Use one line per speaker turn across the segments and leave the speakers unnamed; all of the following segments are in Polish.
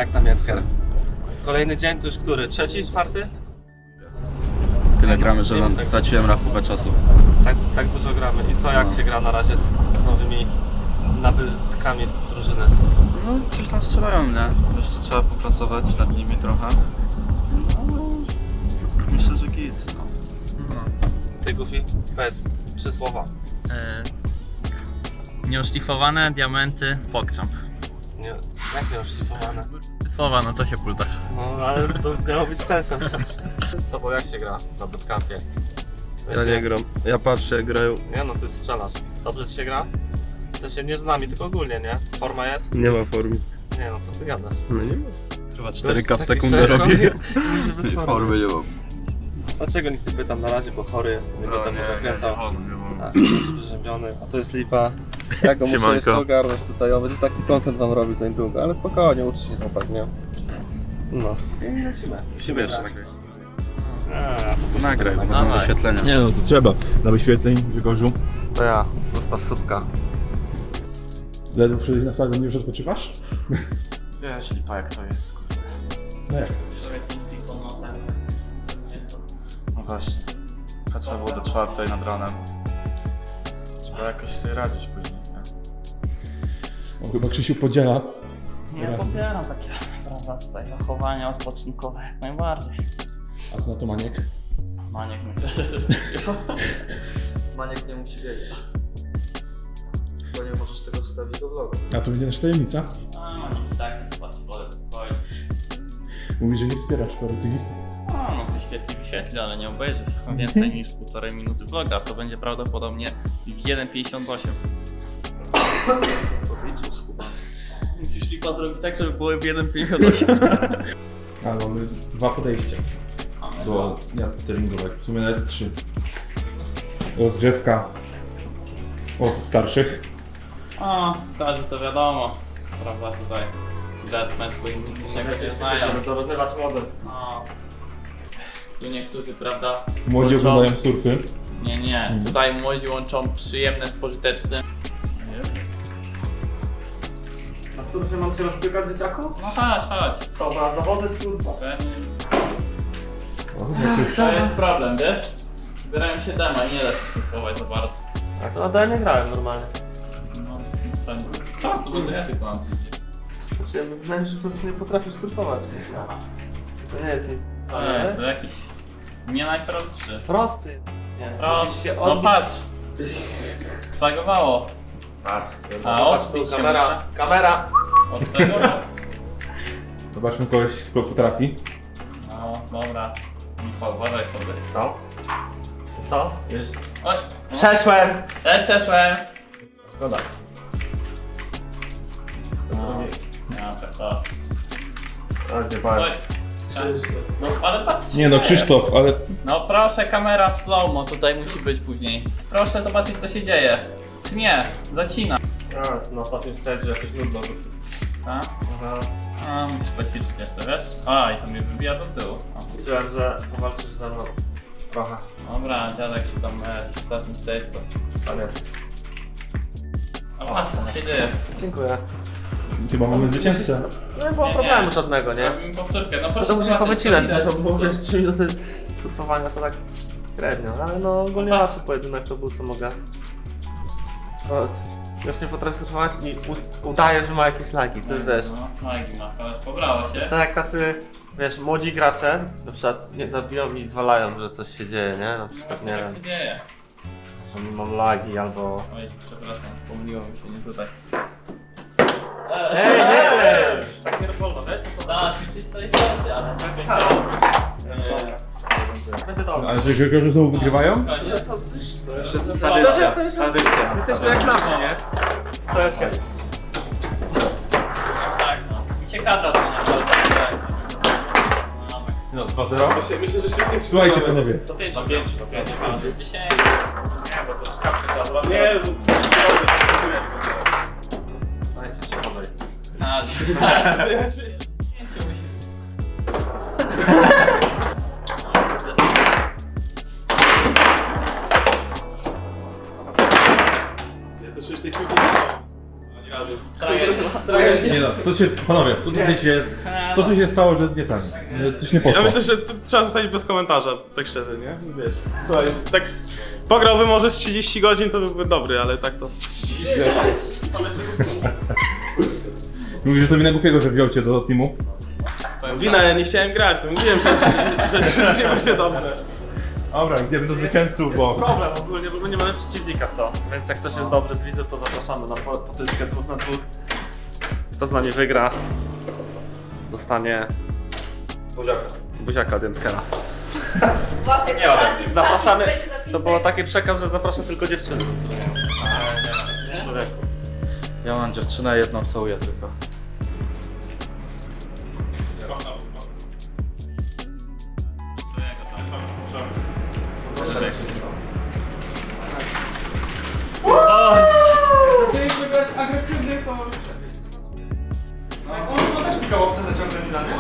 Jak tam Jerker? Kolejny dzień, to już który? Trzeci, czwarty?
Tyle gramy, że straciłem rachubę czasu.
Tak dużo gramy. I co, jak się gra na razie z nowymi nabytkami drużyny?
No, coś tam strzelają, nie? Jeszcze trzeba popracować nad nimi trochę. No, myślę, że git, no.
Ty, Goofy, powiedz 3 słowa.
Nieoszlifowane diamenty, PogChamp.
Nie, jak nie oszlifowane?
Słowa, no co się pultasz?
No, ale to miało być sensem. Co, bo jak się gra na bootcampie? W sensie,
Ja nie gram. Ja patrzę jak grają.
Nie no, ty strzelasz. Dobrze ci się gra? W sensie nie z nami, tylko ogólnie, nie? Forma jest?
Nie ma formy.
Nie no, co ty gadasz?
No nie ma.
Chyba
Gość
4K w
taki
sekundę
szef,
robi.
no nie
Formy nie mam.
Dlaczego nic nie pytam na razie, bo chory jest, to nie będę mu zakręcał.
nie mam.
Tak, jest przeziębiony, a to jest lipa. Ja go muszę jeszcze ogarnąć tutaj, on będzie taki content wam robił za niedługo, ale spokojnie, uczy się chłopak, nie? No, i lecimy.
Musimy jeszcze
grać.
nagrać.
A,
Nagraj, bo będą
Dawaj.
wyświetlenia.
Nie no, to trzeba. Dla wyświetleń, Grzegorzu.
To ja, zostaw słupka.
Ledwo przyjść na stadion, już odpoczywasz?
Wiesz, lipa jak to jest, kurde.
Nie.
No właśnie. Trzeba było do 4 nad ranem. Trzeba jakoś sobie radzić później, nie?
On chyba Krzysiu podziela.
Ja popieram takie, prawda, tutaj zachowania odpoczynkowe jak najbardziej.
A co na to Maniek?
Maniek myślę, że też
Maniek nie musi wiedzieć. Bo nie możesz tego wstawić do vlogu.
A to będzie nasza tajemnica.
A, Maniek tak nie spać, spokojnie.
Mówi, że nie wspiera 4 TV.
A, no to świetnie wyświetli, ale nie obejrzysz więcej niż 1,5 minuty vloga. To będzie prawdopodobnie w 1,58. Musisz lipa zrobić tak, żeby było w 1,58.
A mamy 2 podejścia do treningowych. W sumie nawet 3. Rozgrzewka osób starszych.
O, starzy to wiadomo. Prawda, tutaj deathmatch, bo inni coś nie znają.
Żeby dorównywać młody.
No. Tu niektórzy, prawda,
Młodzi
łączą-
oglądają surfy.
Nie. Tutaj młodzi łączą przyjemne z pożytecznym.
Na surfie mam cię rozpykać, dzieciaku?
No chodź.
Dobra, zawody surfa.
Pewnie.
O, jakieś...
To jest problem, wiesz? Zbierają się dema, nie da się surfować za bardzo.
A to na nie grałem normalnie.
No, to będzie ja tylko mam.
Znaczy, ja wydaje mi się, że po prostu nie potrafisz surfować. To nie jest nic.
Nie, to jakiś nie najprostszy.
Prosty. Nie, musisz się
No
odbić.
patrz. Spagowało.
Patrz.
A
Patrz
odbić
tu,
się
kamera.
muszę.
Kamera.
Od tego.
Zobaczmy kogoś, kto potrafi.
No, dobra. Michał, uważaj sobie.
Co? Co? Już.
Oj,
Przeszłem.
przeszłem.
Szkoda.
No, tak to.
Teraz nie powiem.
Oj. No, ale patrz.
Nie no, Krzysztof, ale
No proszę, kamera w slow-mo tutaj musi być później. Proszę zobaczyć, co się dzieje. Czy nie? Zacina.
Teraz na ostatnim stage jakoś nudno.
Tak?
Aha.
A, musisz poćwiczyć jeszcze, wiesz? A, i to mnie wybija do tyłu. O.
Liczyłem, że powalczysz ze mną. Trochę.
Dobra, dziadek tu tam w ostatnim stage to...
Koniec.
A patrz, co się dzieje.
Dziękuję.
chyba mamy zwycięzcę.
No nie było problemu żadnego, nie?
Robimy powtórkę, no proszę
To musisz
zobaczyć,
powycinać,
co
bo
widać,
to
co
było
tu.
wiesz, 3 minuty surfowania to tak średnio, ale no ogólnie
No tak.
łatwy pojedynek to był, co mogę. No, już nie potrafię surfować i udaje, że ma jakieś lagi, to wiesz.
No, lagi ma, ale pobrało się.
Tak jak tacy, wiesz, młodzi gracze, na przykład nie zabiją i zwalają, że coś się dzieje, nie? Na przykład, nie
Jak
wiem,
się dzieje?
że mam lagi albo...
Oj, przepraszam, pomyliło mi się, nie tutaj.
Ej, nie klej! Tak nie wolno, wiesz? To są...
Da, ćwiczyć sobie wtedy, ale...
To jest
nie
kara.
będzie.
Będzie dobrze.
Ale że Grzegorze znowu wygrywają?
Koniec.
To już
Tradycja.
Szczerze, to już jesteśmy jak na wsi, nie? W CS-ie.
Tak, no. Mi się kadra zmienia, ale tak.
No, 2-0.
Myślę, że szybciej.
Słuchajcie panowie.
To 5,
Na 5, na 5.
10.
Nie, bo to już kawkę trzeba zrobić.
Nie,
Państwo się podaj.
A,
ja to przecież tej piłki nie mam.
Nie no, panowie, to tu się stało, że nie tak. Coś nie poszło.
Ja myślę, że to trzeba zostać bez komentarza, tak szczerze, nie? Wiesz, słuchaj, tak pograłby może z 30 godzin, to byłby dobry, ale tak to...
Mówisz, że to wina Goofiego, że wziął cię do teamu?
Wina, ja nie chciałem grać, no mówiłem, że nie będzie dobrze.
Dobra, idziemy do zwycięzców, bo...
Problem ogólnie, bo my nie mamy przeciwnika w to. Więc jak ktoś jest dobry z widzów, to zapraszamy na potyczkę 2 na 2. Kto z nami wygra, dostanie buziaka Dętkera. Zapraszamy. To było taki przekaz, że zapraszam tylko dziewczyny.
Człowieku. Ja mam dziewczynę, jedną całuję tylko.
Zaczęliśmy grać agresywnie, to... On też pikałowce ciągle mi da, nie?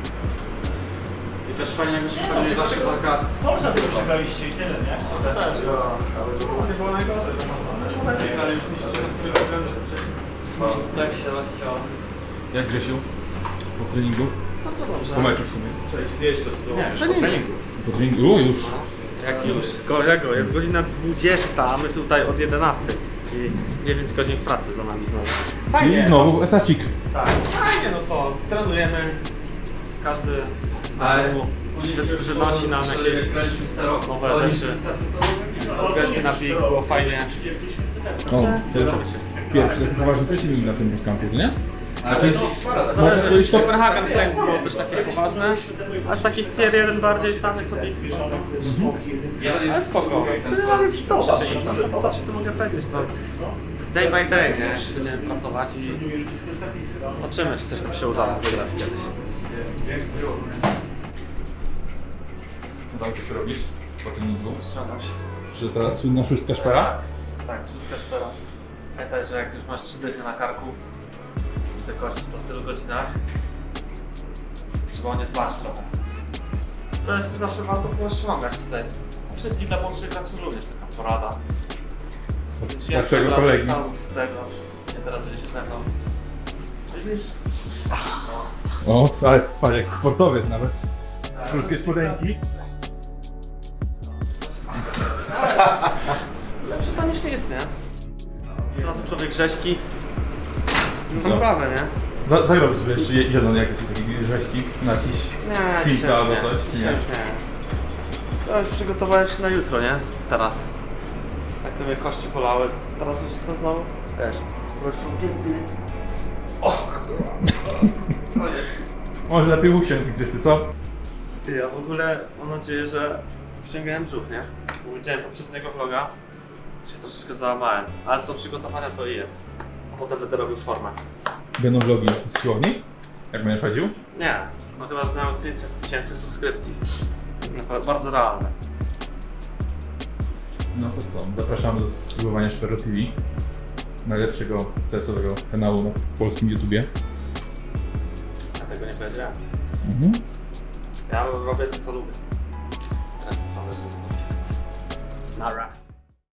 I też fajnie, jak się pewnie zawsze zalka.
Forza tylko przegraliście i tyle, nie?
To też, nie było najgorzej. Ale już mieliście wcześniej.
Tak się rozciął.
Jak Grzesiu? Po treningu?
Bardzo dobrze.
Po meczu w sumie.
Nie, po treningu.
Po treningu? O, już.
Jak już? Kolego, jest godzina 20, a my tutaj od 11. Czyli 9 godzin w pracy za nami znowu.
Czyli znowu etacik.
Tak, fajnie, no co, trenujemy. Każdy wynosi nam jakieś nowe rzeczy. Graliśmy na pik, było fajnie.
O, pierwszy poważny przeciwnik na tym kampie, nie? Można powiedzieć,
Copenhagen Flames było też takie poważne, a z takich tier 1 bardziej znanych to pik. Ale spoko. Ale dobrze się nie co ci tu mogę powiedzieć, no. Day by day, nie? Będziemy pracować i zobaczymy, czy coś tam się uda wygrać kiedyś.
Co ty robisz po treningu?
Ściągam się.
Czy teraz słynna szóstka szpera?
Tak, szóstka szpera. Pamiętaj, że jak już masz 3 dychy na karku, te kości po tylu godzinach, trzeba o nie dbać trochę. To jest zawsze warto było ściągać tutaj. Wszystkich dla młodszych graczy również taka porada.
Starszego kolegi.
Z tego, nie teraz będzie się ze mną. Widzisz?
O, ale patrz, jak sportowiec nawet. Krótkie spodenki.
Lepsze to niż nic, nie? Od razu człowiek rzeźki. No
Co?
naprawdę, nie?
Zagrałbyś sobie jeszcze jeden jakiś taki rzeźki na jakiś
Nie,
Silka albo coś?
Dzisiaj już nie. To już przygotowałem się na jutro, nie? Teraz. Tak to mnie kości bolały. Teraz już jestem znowu, wiesz, rozciągnięty. O! Koniec.
Może lepiej usiąść Grzesiu, co?
Ty, ja w ogóle mam nadzieję, że wciągałem brzuch, nie? Bo widziałem poprzedniego vloga, to się troszeczkę załamałem. Ale co przygotowania to i je. A potem będę robił formę.
Będą vlogi z siłowni? Jak będziesz chodził?
Nie, no chyba, że miałem 500 000 subskrypcji. Bardzo realne.
No to co, zapraszamy do subskrybowania Szpero TV. Najlepszego CS-owego kanału w polskim YouTubie.
Ja tego nie powiedziałem.
Mhm.
Ja robię to, co lubię. Reszta zależy od wszystkich. Nara.